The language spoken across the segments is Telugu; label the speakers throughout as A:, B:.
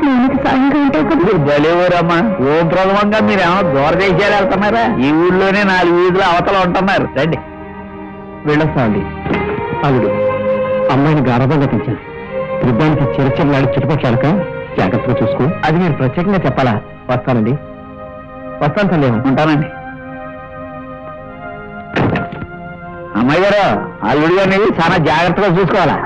A: సాయంగా ఉంటావు కదా.
B: బలేవరమ్మా, ఓం ప్రథమంగా మీరేమో దూరదేశాలు వెళ్తున్నారా? ఈ ఊళ్ళోనే 4 వీధులు అవతల ఉంటున్నారు. రండి
C: వెళ్ళొస్తామండి. అల్లుడు, అమ్మాయిని గారభంగా పెంచాను. యుద్ధానికి చిరచర్లాడి చుట్టుపక్కలక జాగ్రత్తగా చూసుకో. అది మీరు ప్రత్యేకంగా చెప్పాలా? వస్తానండి. వస్తాను సందేహం.
B: ఉంటానండి. అమ్మాయి గారు, అల్లుడు గారిని చాలా జాగ్రత్తగా చూసుకోవాలా?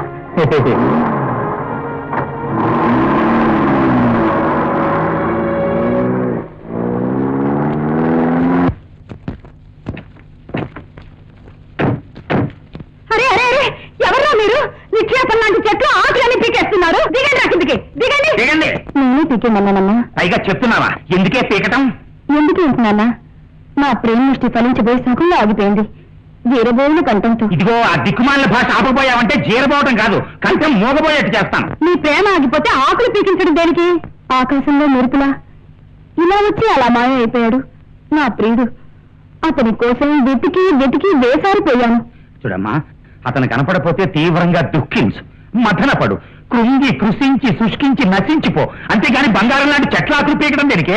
A: నేనే పీకేమన్నానమ్మా.
B: పైగా చెప్తున్నావా? ఎందుకే పీకటం?
A: ఎందుకు ఏంటన్నా, మా ప్రేమ దృష్టి ఫలించబోయే సగంలో ఆగిపోయింది. జీరబోయిన కంఠంతో.
B: ఇదిగో ఆ దిక్కుమాలిన భాష ఆపబోయావంటే జీరబోవటం కాదు, కంఠం మోగబోయేట్టు చేస్తాను.
A: నీ ప్రేమ ఆగిపోతే ఆకులు పీకించడం దేనికి? ఆకాశంలో మెరుపులా ఇలా వచ్చి అలా మాయ అయిపోయాడు నా ప్రియుడు. అతని కోసం వెతికి వెతికి వేసారిపోయాను.
B: చూడమ్మా, అతను కనపడపోతే తీవ్రంగా దుఃఖించు, మథనపడు, కృంగి కృషించి శుష్కించి నశించిపో. అంతేగాని బంగారం లాంటి చెట్ల ఆకులు పీకడం దేనికే?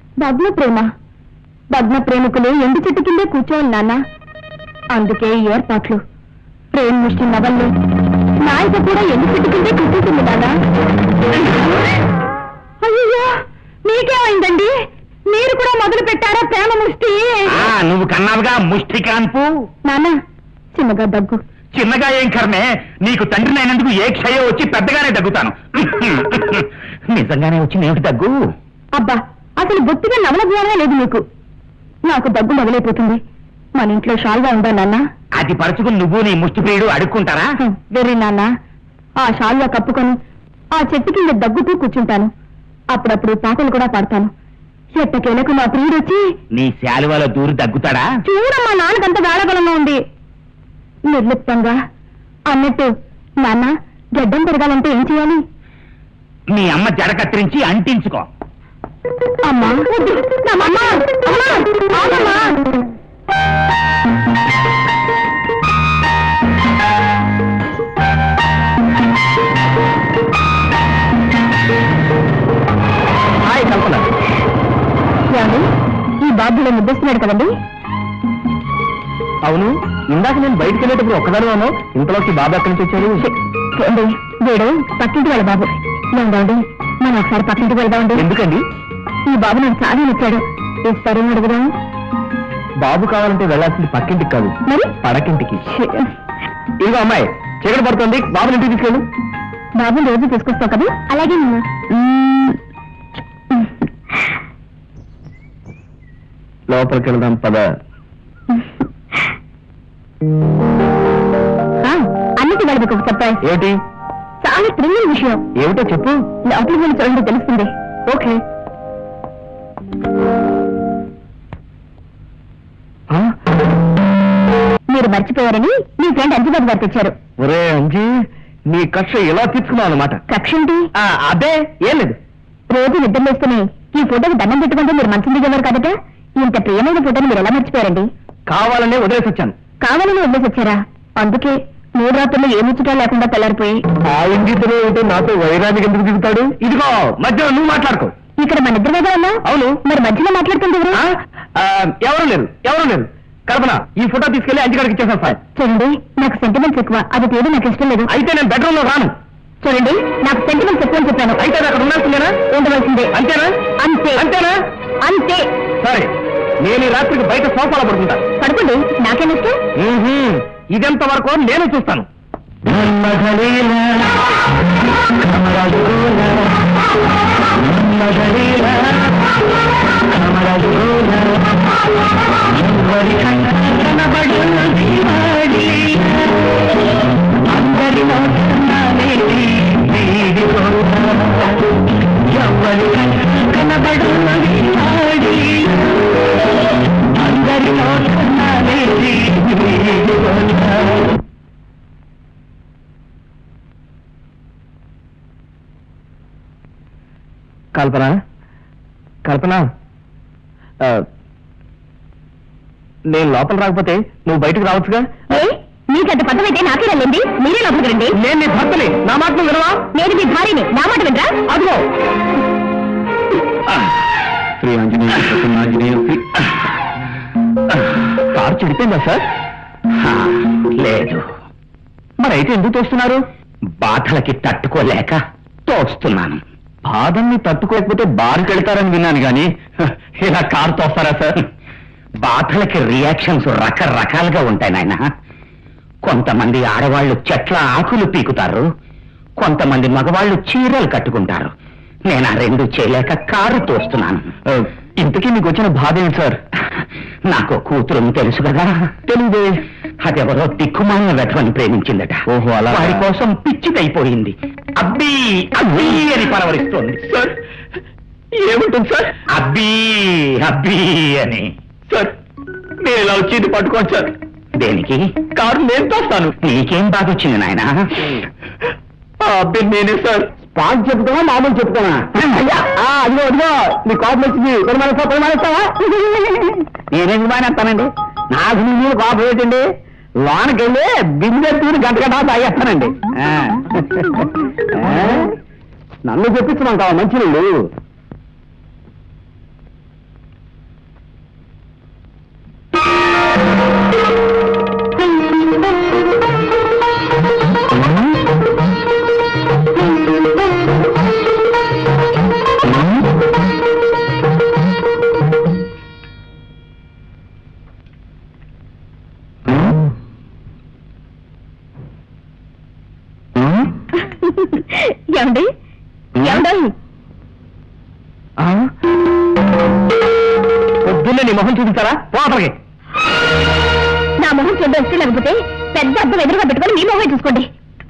A: భగ్న ప్రేమికులు ఎండు చెట్టు కిందే కూర్చోవాలి నాన్న. అందుకే ఈ ఏర్పాట్లు. ప్రేమ ముష్టి నవల్లో నాయక కూడా ఎండు చెట్టు కిందే కూర్చుంటుంది నాన్న. అయ్యో, మీకేమైందండి? మీరు కూడా మొదలు పెట్టారా ప్రేమ ముష్టి?
B: నువ్వు కన్నావుగా ముష్టి కాన్పు.
A: నాన్న, చిన్నగా దగ్గు.
B: చిన్నగా ఏం కర్మే, నీకు తండ్రిని అయినందుకు ఏ క్షయం వచ్చి పెద్దగానే దగ్గుతాను. నిజంగానే వచ్చింది ఏమిటి దగ్గు?
A: అబ్బా, అసలు బొత్తిగా నవల జ్ఞానమే లేదు మీకు. నాకు దగ్గు మొదలైపోతుంది. మన ఇంట్లో షాల్గా ఉందా నాన్న?
B: అది పరుచుకుని నువ్వు నీ ముష్టి ప్రియుడు అడుక్కుంటారా?
A: వెర్రి నాన్న, ఆ షాల్గా కప్పుకొని ఆ చెట్టు కింద దగ్గుతూ కూర్చుంటాను. అప్పుడప్పుడు పాటలు కూడా పాడతాను. ఎట్టకేలకు నా ప్రియుడు వచ్చి
B: నీ శాలువాలో దూరి దగ్గుతాడా?
A: చూడమ్మా, నాన్నకంత వేళబలంగా ఉంది. నిర్లిప్తంగా అన్నట్టు, నాన్న గడ్డం పెరగాలంటే ఏం చేయాలి?
B: నీ అమ్మ జడ కత్తిరించి అంటించుకో.
A: అమ్మా,
C: హాయ్ కల్పన.
A: ఏమండి, ఈ బాబులో ముద్దొస్తున్నాడు కదండి?
C: అవును, ఇందాక నేను బయటకు వెళ్ళేటప్పుడు ఒక్కదాని ఉన్నావు. ఇంతలోకి బాబు ఎక్కడి నుంచి వచ్చాడు?
A: వీడు పక్కింటి వాళ్ళ బాబు. ఏమండి, మనం ఒకసారి పక్కింటికి వెళ్దామండి.
C: ఎందుకండి?
A: ఈ బాబు నాకు చాలా నచ్చాడు. ఇస్తారేమో అడుగుదాం.
C: బాబు కావాలంటే వెళ్ళాల్సింది పక్కింటికి కాదు,
A: మరి
C: పడకింటికి. ఇదిగో అమ్మాయి, చీకటి పడుతుంది, బాబుని ఇంటికి తీసుకెళ్ళు.
A: బాబుని రోజు తీసుకొస్తావు కదా? అలాగే
C: లోపలికి వెళ్దాం పద.
A: అన్నిటి వాళ్ళకి ఒక సర్ప్రైజ్.
C: ఏమిటి?
A: చాలా థ్రిల్లింగ్ విషయం.
C: ఏమిటో చెప్పు.
A: లోపలికి వెళ్ళి చూడండి, తెలుస్తుంది.
C: ఓకే.
A: మీరు మర్చిపోయారని మీ ఫ్రెండ్ అంజుబాబు గారు తెచ్చారు.
C: ఒరే అంజీ, నీ కక్ష ఎలా తీర్చుకున్నావు అనమాట.
A: కక్ష ఏంటి?
C: అదే ఏం లేదు.
A: రోజు నిద్ర వేసుకుని ఈ ఫోటోకి దండం పెట్టుకుంటే మీరు మంచి దిగేవారు కదట. ఇంత ప్రియమైన ఫోటోని మీరు ఎలా మర్చిపోయారండి?
C: కావాలనే వదిలేసి వచ్చాను.
A: కావాలని వదిలేసి వచ్చారా? అందుకే 3 రాత్రులు ఏ ముచ్చటా లేకుండా తెల్లారిపోయి.
C: ఆ ఇంగితలో ఉంటే నాతో వైరానికి ఎందుకు దిగుతాడు? ఇదిగో మధ్యలో నువ్వు మాట్లాడుకో.
A: ఇక్కడ మన ఇద్దరు కదా ఉన్నా?
C: అవును.
A: మరి మధ్యలో మాట్లాడుతుంది
C: ఎవరు లేరు. కల్పన, ఈ ఫోటో తీసుకెళ్లి అంజగారికి ఇచ్చేసాను సార్.
A: చూడండి, నాకు సెంటిమెంట్స్ ఎక్కువ. అది తీయడం నాకు ఇష్టం లేదు.
C: అయితే నేను బెడ్రూమ్ లో రాను.
A: చూడండి, నాకు సెంటిమెంట్స్ ఎక్కువ అని చెప్పాను.
C: అయితే అక్కడ ఉండాల్సిందేనా?
A: ఉండవలసిందే.
C: అంతేనా? అంతేనా?
A: అంతే.
C: సరే, నేను ఈ రాత్రికి బయట సోఫాలో పడుకుంటా.
A: పడుకోండి, నాకేం ఇష్టం.
C: ఇదెంత వరకు నేను చూస్తాను. కల్పన, కల్పన, నేను లోపల రాకపోతే నువ్వు బయటకు రావచ్చుగా.
A: మీకంత పదమైతే నాకే వెళ్ళండి. మీరే లోపలికి రండి.
C: నేను నీ భర్తని, నా మాట వినవా?
A: నేను మీ భార్యని, నా మాట వినరా?
C: అదిగో శ్రీ ఆంజనేయ ప్రసన్నాంజనేయ శ్రీ కారు చెడిపోయిందా సార్?
B: లేదు.
C: మరి అయితే ఎందుకు తోస్తున్నారు?
B: బాధలకి తట్టుకోలేక తోస్తున్నాను.
C: బాధల్ని తట్టుకోకపోతే బారుకి వెళ్తారని విన్నాను గాని ఇలా కారు తోస్తారా సార్?
B: బాధలకి రియాక్షన్స్ రకరకాలుగా ఉంటాయి నాయన. కొంతమంది ఆడవాళ్లు చెట్ల ఆకులు పీకుతారు, కొంతమంది మగవాళ్లు చీరలు కట్టుకుంటారు. నేను ఆ రెండు చేయలేక కారు తోస్తున్నాను.
C: ఇంతకీ మీకు వచ్చిన బాధ ఏంటి సార్?
B: నాకు కూతురు తెలుసు కదా.
C: తెలియదే.
B: అదెవరో దిక్కుమాలిన వెధవని ప్రేమించిందట.
C: ఓహో, అలాగా?
B: వారి కోసం పిచ్చికైపోయింది. అబ్బీ అబ్బీ అని పరవరిస్తోంది.
C: సార్ ఏముంటుంది సార్?
B: అబ్బీ అబ్బీ అని.
C: సార్ మీరు ఇలా వచ్చి ఇది పట్టుకోండి సార్.
B: దేనికి?
C: కారు నేను తోస్తాను.
B: నీకేం బాధ వచ్చింది నాయన?
C: అబ్బి నేనే సార్. స్పాట్ చెప్తావా మామూలు చెప్తావా? అదిగో అదిగో నీ కాపు వచ్చింది. పరిమాణిస్తావా? నేనేందుకు మానేస్తానండి? నాకు నీ మీద కాపు ఏంటండి? లోనకి వెళ్ళి బిందె తీరు గంట గంట తాగేస్తానండి. నన్ను చెప్పించమంటావా మంచి నీళ్ళు?
A: ఏమండి ఏమండి
C: పొద్దున్నే నీ మొహం చూపిస్తారా? పోతలకి
A: నా మొహం చూద్దాం ఇష్టం లేకపోతే పెద్ద అద్దం ఎదురుగా పెట్టుకొని మీ మొహం చూసుకోండి.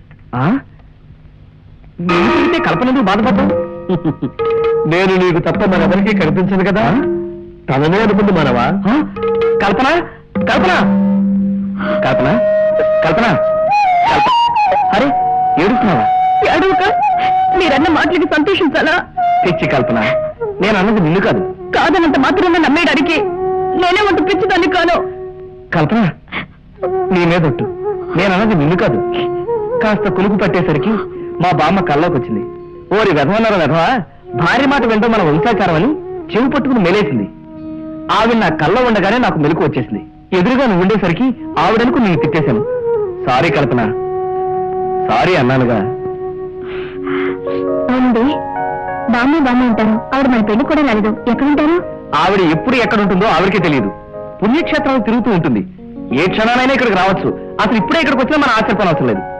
C: నేను చూస్తే కల్పన ఎందుకు బాధపడ్డావు? నేను నీకు తప్ప మరెవరికీ కనిపించదు కదా. తననే అనుకుంది మనవా? కల్పన కల్పన కల్పన కల్పన అరే ఏడుస్తున్నావా?
A: అడుగుక మీరన్న మాటలకి సంతోషించాలా?
C: తెచ్చి కల్పన, నేను అన్నది నిన్ను కాదు.
A: కాదనంత మాత్రమే నమ్మేయడానికి నేనే వంట పిచ్చిదాన్ని కాను.
C: కల్పన నీ మీదొట్టు, నేను అన్నది నిన్ను కాదు. కాస్త కులుకు పట్టేసరికి మా బామ్మ కల్లోకి వచ్చింది. ఓరి వెధవన్నారు వెధవా, భార్య మాట వింటాం మన వంశాచారం అని చెవి పట్టుకుని మెలేసింది. ఆవిడ నా కల్లో ఉండగానే నాకు మెలకు వచ్చేసింది. ఎదురుగా నువ్వు ఉండేసరికి ఆవిడనుకు నేను తిట్టేశాను. సారీ కల్పన, సారీ అన్నానుగా.
A: అవునండి, బామ్మ ఉంటారు. ఆవిడ మన పెళ్లి కూడా రాలేదు. ఎక్కడుంటారు?
C: ఆవిడ ఎప్పుడు ఎక్కడ ఉంటుందో ఆవిడకే తెలియదు. పుణ్యక్షేత్రాలు తిరుగుతూ ఉంటుంది. ఏ క్షణానైనా ఇక్కడికి రావచ్చు. అసలు ఇప్పుడే ఇక్కడికి వచ్చినా మనం ఆశ్చర్యపోనవసరం లేదు.